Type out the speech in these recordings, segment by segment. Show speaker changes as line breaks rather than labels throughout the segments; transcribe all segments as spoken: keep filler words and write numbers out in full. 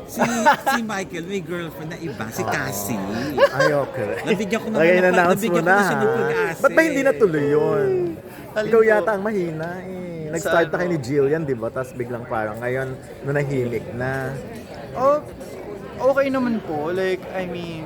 Si, si Michael may girlfriend na iba, si Cassie.
Ay, okay.
Nabigyan ko na
Lagay
ng-
in-announce mo
nabigyan ko
na,
na siya ng
ha?
pag-asa
Ba't ba hindi
eh.
natuloy yun?
Alin
Ikaw
po?
yata ang mahina eh. Nag-start
Sa
na kayo
ano?
ni Jillian, di ba? Tapos biglang parang ngayon, nanahimik na.
Oh, okay naman po. Like, I mean,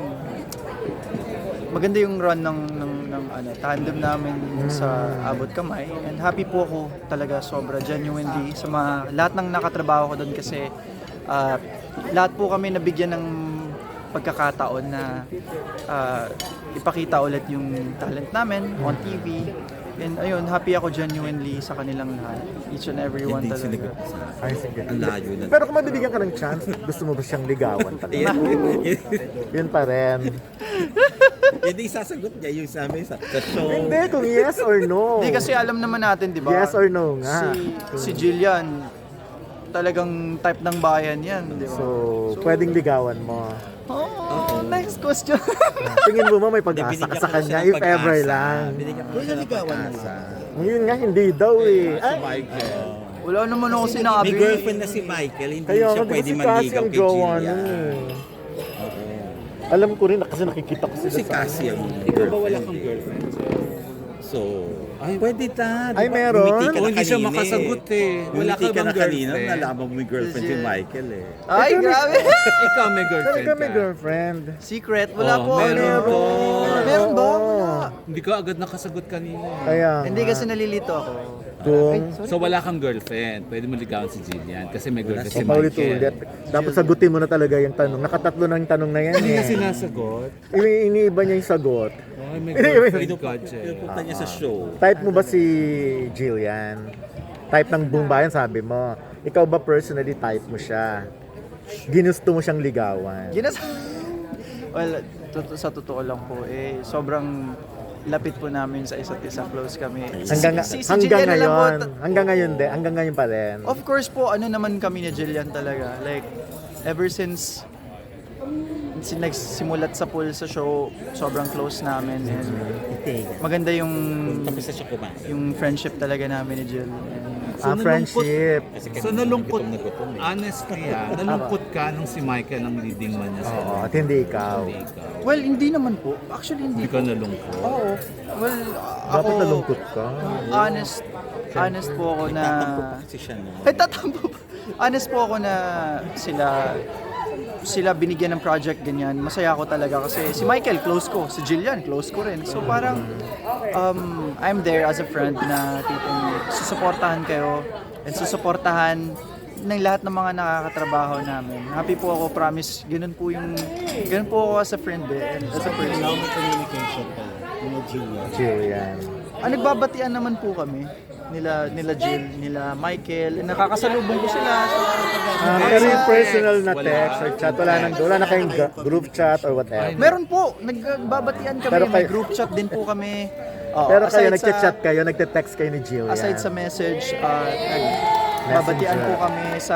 maganda yung run ng, ng, ng ano, tandem namin sa Abot Kamay. And happy po ako talaga sobra, genuinely, sa mga, lahat ng nakatrabaho ko doon kasi ah, lahat po kami nabigyan ng pagkakataon na ah, ipakita ulit yung talent namin on T V. And ayun, happy ako genuinely sa kanilang lahat. Each and every one
Hindi
talaga.
sinagot sa akin.
Ay, sige.
Ang layo na.
Pero kung mabibigyan ka ng chance, gusto mo ba siyang ligawan talaga?
Yan,
Yun pa rin.
yan din sasagot niya yung sa amin sa, sa show.
Hindi, kung yes or no.
Hindi kasi alam naman natin, di ba?
Yes or no nga.
Si, si Jillian, talagang type ng bayan yan, di ba?
So, pwedeng ligawan mo.
Oh, next question.
Tingin mo ba may pag-asa
Binigyan
ka
ko
sa
na
kanya
siya ng
if ever
pag-asa.
lang?
Binigyan ko na siya ng pag-asa.
Yun nga, hindi daw eh.
Si
Ay,
Michael.
Wala naman ako sinabi.
May girlfriend na si Michael, hindi
kaya
siya
nga, di ba
pwede
si Cassie
manligaw
ang
kay
jowa
Gillian.
nun eh. Alam ko rin, kasi nakikita ko sila
Si
sa
Cassie ang
Ikaw ba wala
girlfriend
kang
eh.
girlfriend?
So, ay, pwede ta.
Ay, meron?
Bumiti ka
Oh,
na
hindi siya
kanina
makasagot eh. Wala
Bumiti
ka
ka
bang
na kanina,
girlfriend?
nalaman mo may girlfriend si Michael eh.
Ay, grabe.
Ikaw may girlfriend
Talaga may
ka.
girlfriend.
Secret, wala
Oh,
po.
meron
Ano?
po.
Meron ba?
Oo.
Wala.
Hindi ka agad nakasagot kanina. eh.
Kaya
Hindi
nga.
kasi nalilito ako.
Kung
So wala kang girlfriend. Pwede mo ligawan si Jillian kasi may girlfriend si
paulit-ulit,
Michael.
dapat sagutin mo na talaga yung tanong. Nakatatlo na yung tanong na yan
Hindi na
eh.
sinasagot.
Ini iniiba niya yung sagot.
Ay, may
Hindi,
girlfriend ka, Jel.
Pinupunta niya sa show.
Type mo ba si Jillian? Type ng buong bayan, sabi mo. Ikaw ba personally type mo siya? Ginusto mo siyang ligawan?
Ginas... well, to- sa totoo lang po, eh, sobrang lapit po namin sa isa't isa, close kami.
Hanggang,
Si- si
hanggang
Jillian na lang po,
ngayon,
ta-
hanggang ngayon din, hanggang ngayon pa rin.
Of course po, ano naman kami ni Jillian talaga. Like, ever since sin nagsimulat sa pool sa show, sobrang close namin. And maganda yung
Tapos na siya kumain.
yung friendship talaga namin ni Jill. And,
Ah, friendship.
Kasi
So nalungkot,
gutom na gutom eh.
honestly ah, nalungkot ka nung si Michael ang leading man niya sa'yo.
Oo, at hindi ikaw.
Hindi ikaw.
well, hindi naman po. Actually, hindi
Hindi ka nalungkot.
Oo. Well, ako,
Dapat nalungkot ka.
honest, honest po ako na...
Tatampo pa kasi siya no.
Ay, tatampo pa. Honest po ako na sila sila binigyan ng project ganyan. Masaya ako talaga kasi si Michael close ko, si Jillian close ko rin. So parang um, I'm there as a friend na tipong susuportahan kayo and susuportahan ng lahat ng mga nakakatrabaho namin. Happy po ako, promise. Ganun po yung ganun po ako as a friend eh, and as a person.
Now may communication pa yung Jillian.
Jillian.
Ah, nagbabatian naman po kami nila nila Jill, nila Michael. And nakakasalubong ko sila.
Ah, pero yung personal na
Wala.
text or chat, wala nang wala na kayong ga- group chat or whatever.
Meron po, nagbabatian kami,
Pero
may
kayo-
group chat din po kami. Oo,
Pero kayo,
aside sa-
nagchat-chat kayo, nagte-text kayo ni Jillian.
Aside sa message, uh, nagbabatian
Messenger.
po kami sa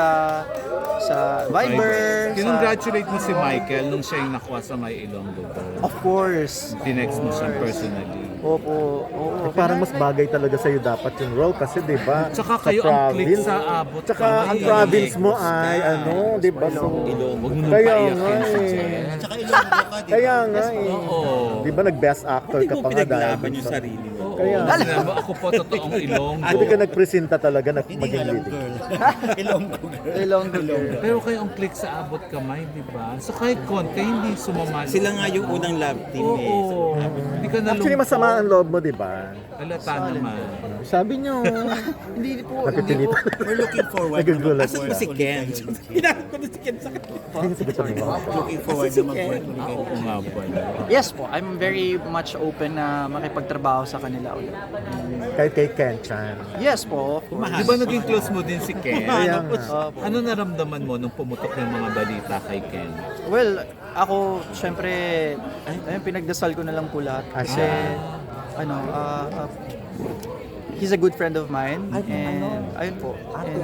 sa Viber. sa,
Kinongratulate mo si Michael nung siya yung nakuha sa may Ilonggo ko.
of course.
Tinext mo siya personally.
Opo, oo.
Eh, parang mas bagay talaga sa'yo dapat yung role kasi di ba
Tsaka kayo ang click sa abot
Tsaka
kamay.
ang province mo ay ano, di ba? So,
Ilonggo.
Huwag mo nung
Kaya
paiyakin
nga
si
eh.
Jen.
Tsaka Ilonggo ka, di ba?
kaya nga eh.
Oo.
Di ba nag-best actor
Hindi
ka
mo
pa nga dahil
pinaglaban
dun
yung
sa-
sarili mo.
Kaya,
Sinabi, ako po totoong Ilonggo.
hindi ka nagpresenta talaga na
Hindi
maging
alam
leading.
girl. Ilonggo girl.
Ilonggo girl.
Pero kayo ang click sa abot kamay, di ba? So kahit konti, hindi sumamali.
Sila nga yung unang love team
Oo.
eh.
Hindi ka nalungkot.
Actually, masama ang loob mo, di ba?
Halata naman.
Sabi nyo,
Hindi po, hindi po.
napipilitan.
We're looking forward.
Nagugulat.
Asan ba si Ken? Hinanap ko na si Ken sa kanila.
Ayun, sabi ko mo.
Looking forward na mag-work ulit
Ah,
kayo.
oo nga pala.
Yes po, I'm very much open na makipagtrabaho sa kanila ulit.
Kahit kay Ken Chan.
Yes po.
Di ba naging close mo din si Ken?
Kaya nga.
Opo.
Ano naramdaman mo nung pumutok yung mga balita kay Ken?
Well, ako, syempre, ayun, pinagdasal ko na lang po lahat. Kasi, ano, ah, ah, he's a good friend of mine. And, ayun po. And,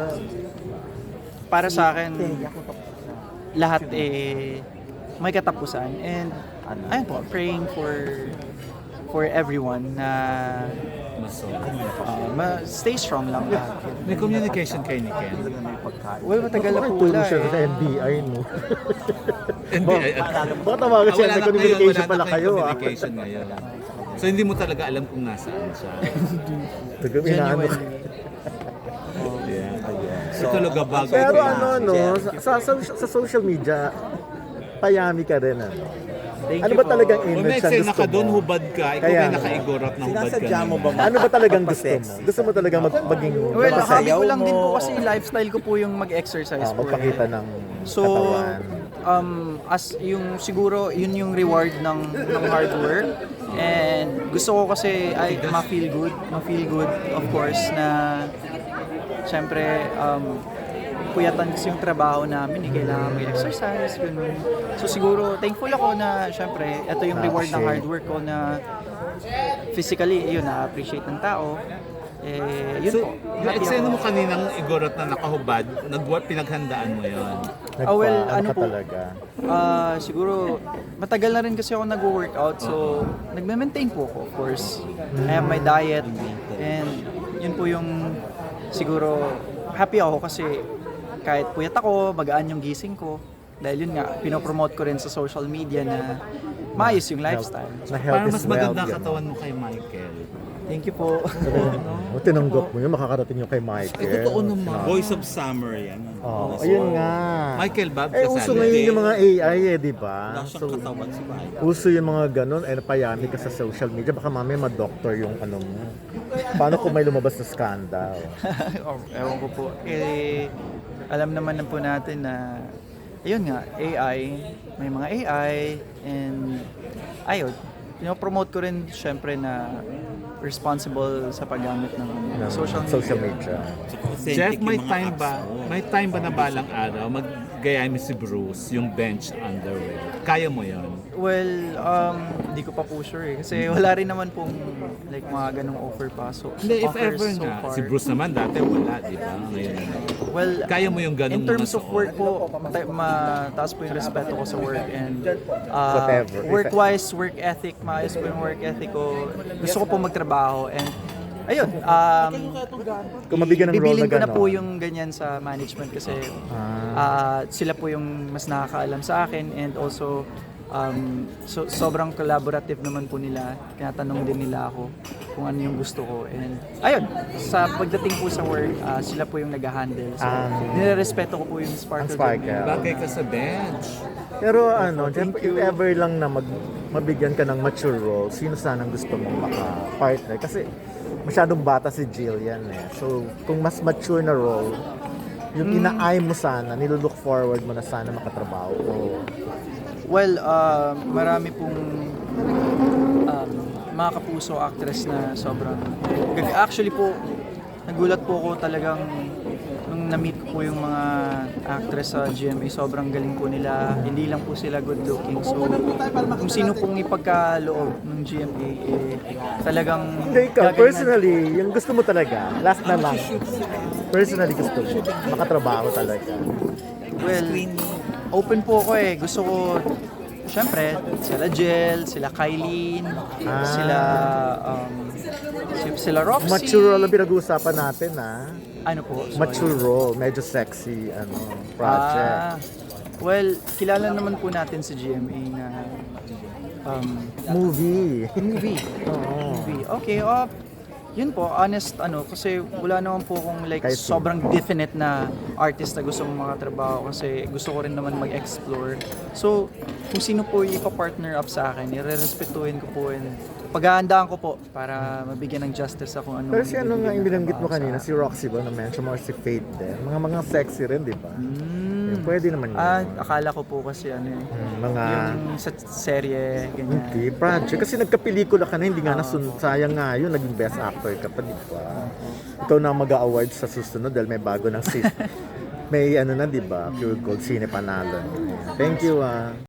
para sa akin, lahat eh, may katapusan. And, ayun po, praying for for everyone na
Maso.
Ah, ma- stay strong lang lahat.
May communication kayo ni Ken.
Well, matagal na po
Tulong
wala
siya
eh.
sa N B I mo.
Hindi, ay,
Baka tawagan siya,
wala
may
na
communication
ngayon, wala
pala
na
kayo
kayong
ah.
communication ngayon. So hindi mo talaga alam kung nasaan siya.
Taga inaano.
Yeah. So talaga bagay.
Pero
ko
ano,
yan.
no, sa, sa, sa social media, payami ka rin, ano?
Thank
Ano
you
ba
po.
talagang
Kung
image
may
ang
eksena
gusto
ka doon,
mo?
hubad ka. Ikaw
Kaya
may
nga.
nakaigorot na hubad ka
Sinasadya mo
naman.
ba?
Ano ba talagang gusto mo? Gusto mo talagang mag, maging
Well,
masaya
hobby ko lang
mo.
din po kasi yung lifestyle ko po yung mag-exercise
ah,
po.
magpakita
eh.
ng
So,
katawan.
um, as yung siguro, yun yung reward ng, ng hard work. And gusto ko kasi ay ma-feel good, ma-feel good of course na syempre um, puyatan kasi yung trabaho namin, eh, kailangan mag-exercise, ganun. So siguro, thankful ako na syempre, ito yung reward ng hard work ko na physically, yun, na-appreciate ng tao. Eh, yun
So,
po.
yung
Happy
eksena
ako.
mo kaninang igorot na nakahubad, nagwa pinaghandaan mo yon.
Nagpa,
ah, well,
ano
ano
ka
po?
talaga?
Ah, siguro matagal na rin kasi ako nagwo-workout so nagme-maintain po ako of course. I have my diet and yun po yung siguro happy ako kasi kahit puyat ako, magaan yung gising ko dahil yun nga pinopromote ko rin sa social media na maayos yung lifestyle.
Na health
Para
is
mas
wealth.
maganda ang
ganun.
katawan mo kay Michael.
Thank you po.
O, tinanggap mo yun, makakarating yung kay Michael.
Eh, totoo naman.
Voice of Summer yan.
Oh, ayun nga.
Michael Bob
Eh, uso ngayon yung mga A I eh, di ba?
Wala siyang
So,
katawan si Mike.
uso yung mga ganun, eh, napayami ka sa social media, baka mamaya ma-doctor yung ano mo. Paano kung may lumabas na scandal?
oh, ewan ko po. Eh, alam naman na po natin na ayun nga, A I, may mga A I and ayun, pinopromote ko rin syempre na responsible sa paggamit ng
Ng
social media.
social media.
Jeff,
Authentic
may
yung mga
time
apps
ba?
mo.
May time ba na balang araw maggayahin mo si Bruce yung bench underwear? Kaya mo yon?
Well, um, hindi ko pa po sure eh. Kasi wala rin naman pong like mga ganong offer pa. So,
Hindi, if
offers
ever
so
nga.
far.
Si Bruce naman dati wala, di ba? Ngayon na.
Well,
Kaya mo yung ganong
in terms
mga
of work po, mata- mataas po yung respeto ko sa work and uh,
Whatever.
work-wise, work ethic, maayos po yung work ethic ko. Gusto ko po magtrabaho and ayun, um,
Kung mabigyan ng role
bibilin
na
ko na
gano'n.
po yung ganyan sa management kasi ah, sila po yung mas nakakaalam sa akin and also um, so, sobrang collaborative naman po nila. Tinatanong din nila ako kung ano yung gusto ko. And ayun, sa pagdating po sa work, ah, sila po yung nag-handle. So,
Ah.
nirerespeto ko po yung Sparkle.
Ang Sparkle.
Journey.
Bagay ka sa bench.
Pero ano, Jeff, if ever lang na mag, mabigyan ka ng mature role, sino sanang gusto mong maka-partner? Kasi masyadong bata si Jillian eh. So, kung mas mature na role, yung ina-eye mo sana, nilulook forward mo na sana makatrabaho ko.
Well, uh, marami pong um, mga kapuso actress na sobrang... Actually po, nagulat po ako talagang nung na-meet ko po yung mga actress sa G M A, sobrang galing po nila. Hindi lang po sila good looking. So, kung sino pong ipagkaloob ng G M A, eh, talagang...
Hindi ikaw,
gagalingan-
personally, yung gusto mo talaga, last na lang. Personally gusto mo, makatrabaho talaga.
Well, open po ako eh. Gusto ko, syempre, sila Jel, sila Kylene,
Ah.
sila, um, si- sila Roxy.
Mature role ang pinag-uusapan natin ah.
Ano po? Sorry.
Mature role, medyo sexy, ano, project.
Ah, well, kilala naman po natin sa G M A na um,
Movie.
movie.
Oo.
movie. Okay, uh, yun po, honest, ano, kasi wala naman po akong like
Kahit sino.
sobrang definite na artist na gusto mong makatrabaho kasi gusto ko rin naman mag-explore. So, kung sino po yung ipa-partner up sa akin, i-respetuhin ko po and paghahandaan ko po para mabigyan ng justice sa kung ano.
Pero si ano nga yung binanggit mo
trabaho sa
kanina,
akin.
si Roxy ba, na-mention mo, or si Faith din. Mga mga sexy rin, di ba?
Hmm.
Yun, pwede naman yun.
Ah, akala ko po kasi ano eh,
Hmm, mga...
yung sa serye, ganyan.
Hindi, project. Kasi nagkapelikula ka na, hindi nga nasun... Sayang nga yun, naging best actor ka pa, di ba? Ikaw na mag-a-award sa susunod dahil may bago ng sis. May ano na, di ba? Pure Gold Cine Panalo. Thank you, ah.